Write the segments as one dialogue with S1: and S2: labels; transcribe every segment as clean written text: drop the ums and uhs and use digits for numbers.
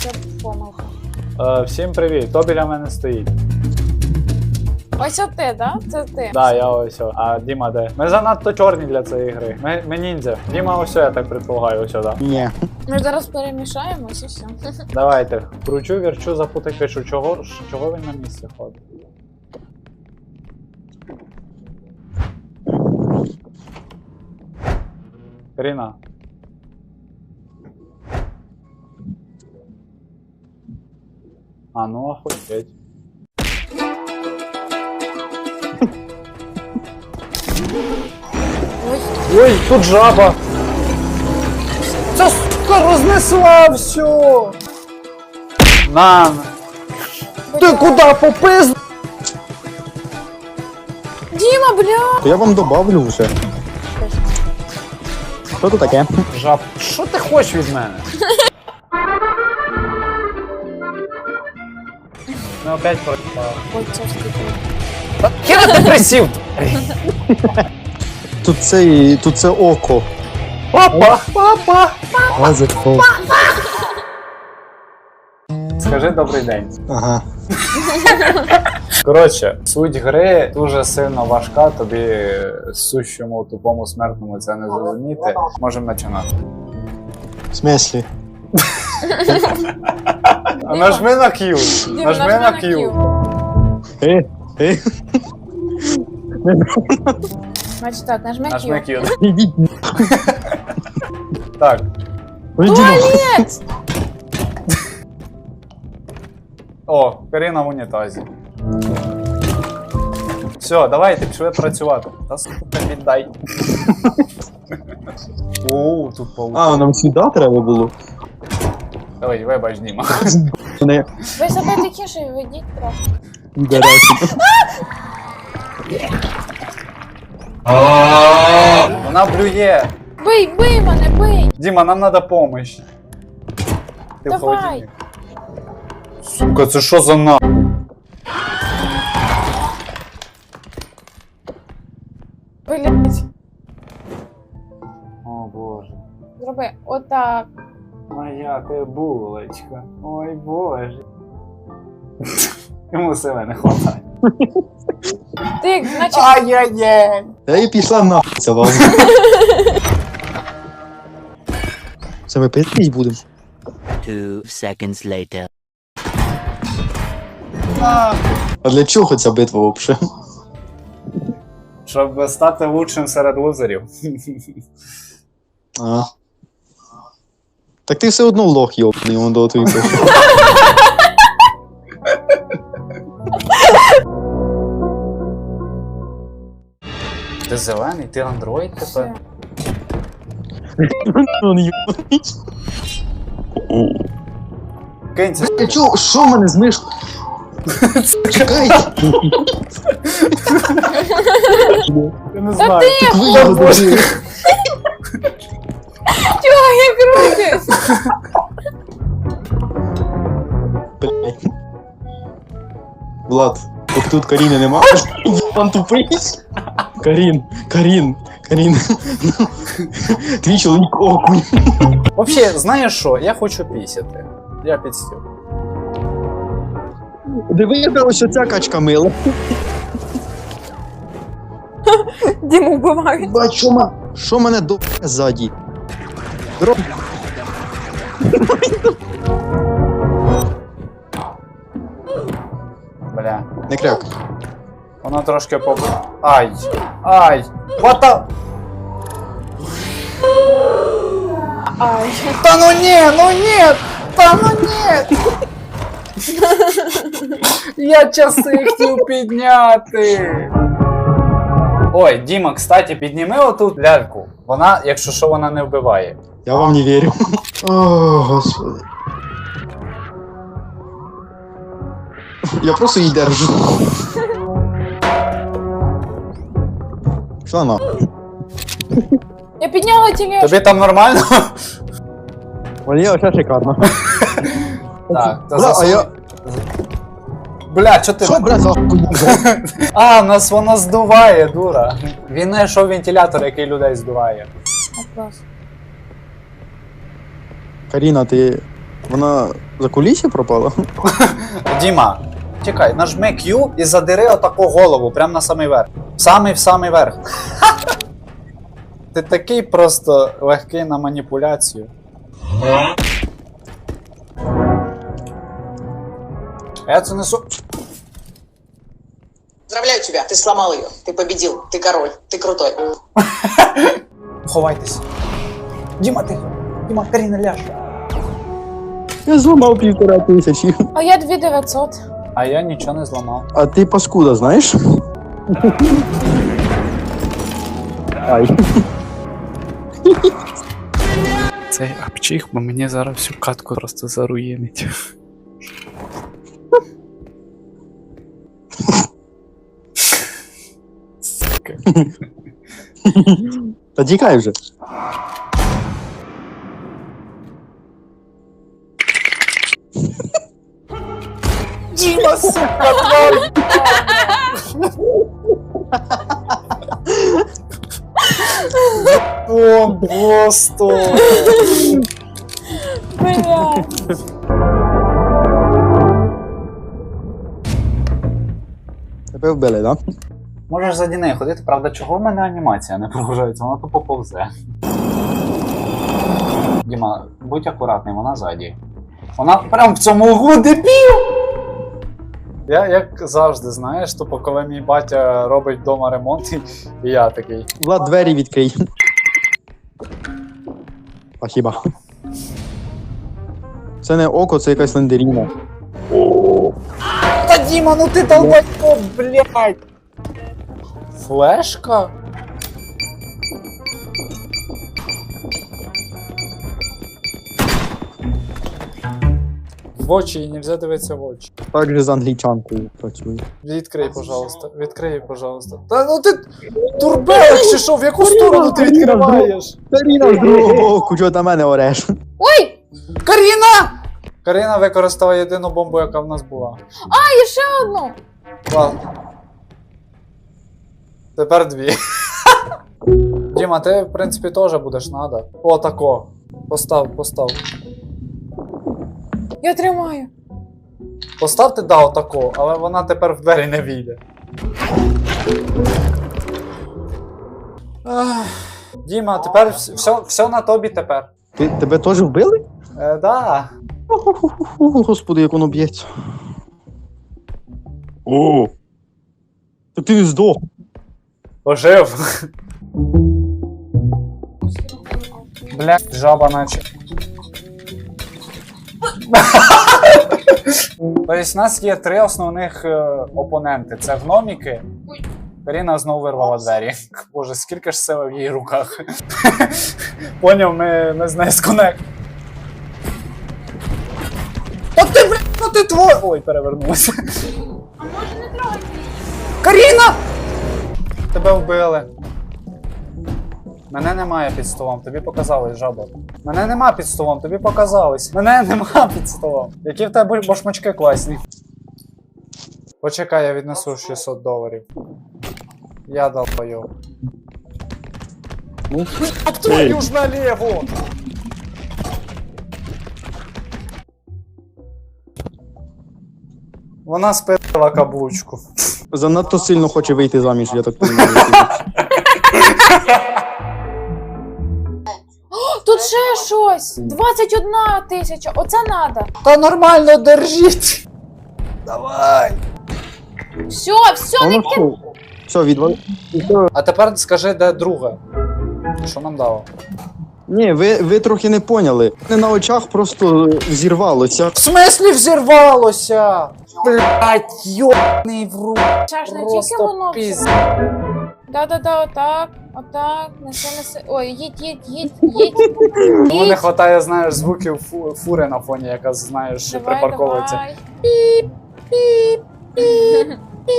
S1: Це помилка.
S2: Всім привіт, хто біля мене стоїть?
S1: Ось ти, да? Це ти.
S2: Да, я ось. А Діма де? Ми занадто чорні для цієї гри. Ми ніндзя. Діма ось, я так предполагаю, ось, да.
S3: Ні.
S1: Ми зараз перемішаємось і все.
S2: Давайте, кручу, вірчу, запутай, пишу, чого він на місці ходить? Каріна. А ну охуеть. Ой, тут жаба! Це сука рознесла все! Нан! Ти куди попиз?
S1: Діма, бля!
S3: То я вам добавлю вже. Що тут таке?
S2: Жаб, що ти хочеш від мене? Ну опять пропав.
S1: Ой, це ж таки.
S2: Та хіра ти присів?
S3: Тут це око.
S2: Папа! Папа!
S3: Лазерфол.
S2: Скажи добрий день.
S3: Ага.
S2: Коротше, суть гри дуже сильно важка, тобі сущому тупому смертному це не зрозуміти. Можемо починати.
S3: В смислі?
S2: Нажми на Q.
S1: Діма,
S2: Нажми на Q.
S3: Е?
S1: Значить так, нажми
S2: Нажми
S1: Q.
S2: Q.
S3: Ідіть.
S2: Так.
S1: Туалет!
S2: О, Каріна в унітазі. Все, давайте, пішли працювати. Та сука, віддай. Оу, тут паук.
S3: А, нам сюди треба було?
S2: Давай, вибач, Діма.
S3: Не
S1: Ви себе тихіше ведіть трохи.
S3: інтересно.
S2: Вона блює.
S1: Бий мене, бий!
S2: Діма, нам треба помощь. Ти в
S1: Давай.
S2: холодильник. Сука, це що за на?
S1: Блять.
S2: О боже.
S1: Зроби отак.
S2: Моя ти булочка. Ой боже. Йому сили не хватає.
S1: Ти, значить,
S2: Ай-яй-яй.
S3: Та і пішла нахуй ця вам. Це ми пиздить будемо.
S4: 2 seconds later.
S3: А для чого ця битва взагалі?
S2: Щоб стати лучшим серед лузерів.
S3: А. Так ти все одно лох йобаний, он до твій пише.
S2: Ти зелений, ти андроїд тепер?
S1: все.
S3: Он йобаний.
S2: Кинься.
S3: Ти чого? Що в мене з мишкою? Чекай!
S2: Я не знаю.
S3: Так ви його добили.
S1: Чого як руки?
S3: Блядь. Влад, от тут Каріни нема. Пан тупий. Карін. Твій чоловік окунь.
S2: Вообще, знаєш що? Я хочу пісяти. Я підстів.
S3: Диви, яка ось оця качка мила.
S1: Діму вбивають.
S3: Бать, що мене до ззаді? Дроб.
S2: Бля.
S3: Не кряк.
S2: Воно трошки по... Ай! What the...
S1: Ай.
S2: Та ну ні! Та ну ні! Я часи хотів підняти! Ой, Діма, кстати, підніми оту ляльку. Вона, якщо що, вона не вбиває.
S3: Я вам не вірю. О, господи. Я просто її держу. Що на?
S1: Я підняла тележку.
S2: Тобі там нормально?
S3: Мені оце шикарно.
S2: Так, та
S3: Бля, а
S2: засунь.
S3: я...
S2: Бля, чо ти...
S3: Що, бля, за хуйня?
S2: А, нас вона здуває, дура. Він знайшов вентилятор, який людей здуває.
S1: Вопрос.
S3: Каріна, ти Вона за кулісі пропала?
S2: Діма, чекай, нажми Q і задири отаку голову, прямо на самий верх. В самий верх. Ти такий просто легкий на маніпуляцію. Я це несу.
S5: Поздравляю тебя, ты сломал ее, ты победил, ты король, ты крутой.
S2: Ховайтесь. Діма, ти. Діма, Каріна, ляж.
S3: Я зламав 1500.
S1: А я 2900.
S2: А я нічого не зламав.
S3: А ти паскуда, знаєш? Ай.
S2: Цей апчих, бо мені зараз всю катку просто заруїнить. Сука.
S3: Та тікай вже.
S2: Діма, сука, тварь! О, просто!
S1: Блядь.
S3: Тебе вбили, да?
S2: Можеш заді неї ходити, правда, чого в мене анімація не прогружається, вона тупо повзе. Діма, будь акуратний, вона ззаді. Вона прям в цьому углу, дебіл! Я, як завжди, знаєш, тупо коли мій батя робить вдома ремонт, і я такий.
S3: Влад, двері відкрий. А хіба? Це не око, це якась лендеріна.
S2: Та Діма, ну ти долбайко, блядь! Флешка? В очі, їй нельзя дивитися в очі.
S3: Так же з англічанкою працює.
S2: Відкрий, пожалуйста, відкрий, пожалуйста. Та ну ти турбелик чи що, в яку сторону ти відкриваєш?
S3: Каріна з другого боку, чого на мене ореш?
S1: Ой!
S2: Каріна! Каріна використала єдину бомбу, яка в нас була.
S1: А, і ще одну!
S2: Ладно. Тепер дві. Діма, ти, в принципі, теж будеш надо. О, тако. Постав.
S1: Я тримаю.
S2: Поставте, да, отако, але вона тепер в двері не війде. Ах. Діма, тепер все на тобі тепер.
S3: Тебе теж вбили?
S2: Да.
S3: Господи, як воно б'ється. О! Так ти не здох.
S2: Ожив. Бля, жаба наче. Тобто у нас є три основних опоненти. Це гноміки. Каріна знову вирвала двері. Боже, скільки ж сили в її руках. Поняв, ми з нею сконект. Та ти, блядь, ну ти твой! Ой, перевернулася.
S1: А може не трогати?
S2: Каріна! Тебе вбили. Мене немає під столом, тобі показалось, жаба. Мене нема під столом, тобі показалось. Мене нема під столом. Які в тебе башмачки класні. Почекай, я віднесу $600. Я долбойоб.
S3: Ну,
S2: Об твою ж налево! Вона спитала каблучку.
S3: занадто сильно хоче вийти заміж, я так розумію.
S1: Тут ще щось! 21 тисяча! Оце надо!
S2: Та нормально держіть! Давай!
S1: Все, не
S3: Воно
S1: кид...
S3: що? Все, відвали.
S2: А тепер скажи, де друга? Що нам дало?
S3: Ні, ви трохи не поняли. Не на очах просто взірвалося.
S2: В смислі взірвалося? Блять, йобаний в руку.
S1: Ще ж не тільки
S2: Просто
S1: воно все.
S2: піз...
S1: Да, отак, неси. Ой, їдь.
S2: Тому не хватає, знаєш, звуків фури на фоні, яка, знаєш, припарковується.
S1: Давай. Піп.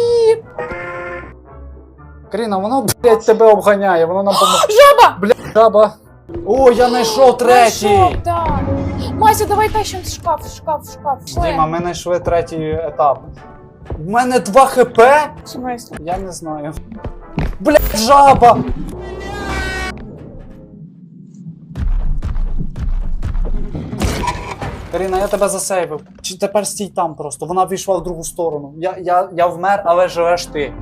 S2: Каріна, воно, блять, тебе обганяє, воно нам помогає.
S1: Жаба!
S2: Блять, жаба. О, я знайшов третій!
S1: Знайшов, так. Мася, давай тащим шкаф.
S2: Діма, ми знайшли третій етап. В мене 2 хп?
S1: В смислі?
S2: Я не знаю. Блять, жаба! Каріна, я тебе засейвив. Чи тепер стій там просто? Вона вийшла в другу сторону. Я вмер, але живеш ти.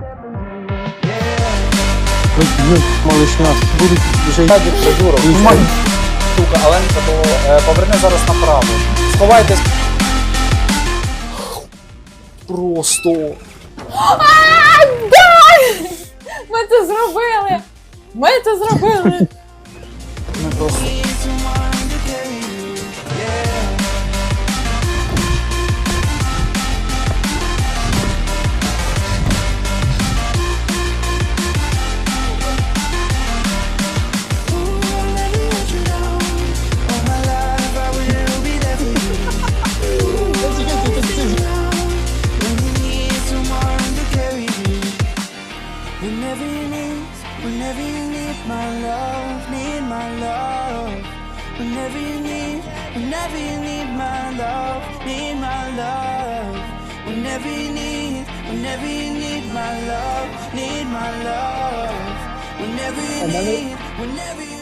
S3: Малышня, будуть вже
S2: Садик, придурок. Сука, Аленка, то поверни зараз направо. Сховайтесь. Просто.
S1: Ми це зробили! Ми це зробили!
S2: Ми просто.
S6: Whenever you need my love, need my love. Whenever you need my love, need my love. Whenever you need my love, need my love. Whenever you